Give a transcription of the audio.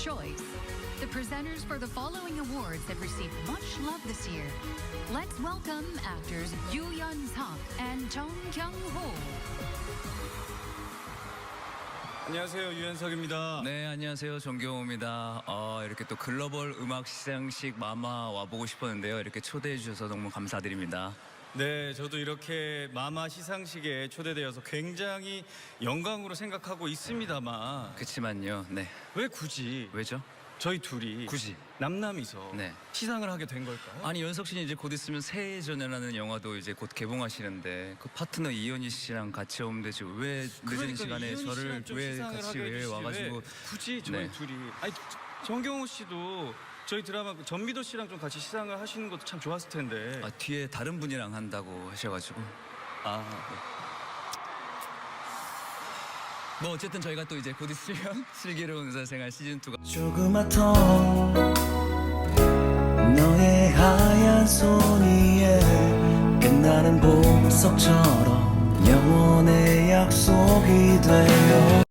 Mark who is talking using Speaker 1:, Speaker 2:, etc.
Speaker 1: choice. The presenters for the following awards have received much love this year. Let's welcome actors Yoo Yeon-seok and Jung Kyung-ho.
Speaker 2: 안녕하세요, 유연석입니다.
Speaker 3: 네, 안녕하세요. 정경호입니다. 이렇게 또 글로벌 음악 시상식 마마 와보고 싶었는데요. 이렇게 초대해 주셔서 너무 감사드립니다.
Speaker 2: 네, 저도 이렇게 마마 시상식에 초대되어서 굉장히 영광으로 생각하고 있습니다만
Speaker 3: 그치만요. 네.
Speaker 2: 왜 굳이
Speaker 3: 왜죠?
Speaker 2: 저희 둘이
Speaker 3: 굳이.
Speaker 2: 남남이서
Speaker 3: 네.
Speaker 2: 시상을 하게 된 걸까요?
Speaker 3: 아니, 연석 씨는 이제 곧 있으면 새해 전이라는 영화도 이제 곧 개봉하시는데 그 파트너 이현희 씨랑 같이 오면 되지 왜 늦은
Speaker 2: 그러니까
Speaker 3: 시간에
Speaker 2: 이현희
Speaker 3: 저를
Speaker 2: 씨랑 좀
Speaker 3: 왜
Speaker 2: 시상을
Speaker 3: 같이
Speaker 2: 하게
Speaker 3: 왜
Speaker 2: 해주시지,
Speaker 3: 와가지고
Speaker 2: 왜 굳이 저희
Speaker 3: 네.
Speaker 2: 둘이 아니 정경호 씨도 저희 드라마 전미도 씨랑 좀 같이 시상을 하시는 것도 참 좋았을 텐데
Speaker 3: 뒤에 다른 분이랑 한다고 하셔가지고 뭐 어쨌든 저희가 또 이제 곧 있으면 슬기로운 의사생활 시즌2가
Speaker 4: 조그맣던 너의 하얀 손 위에 끝나는 보석처럼 영원의 약속이 되어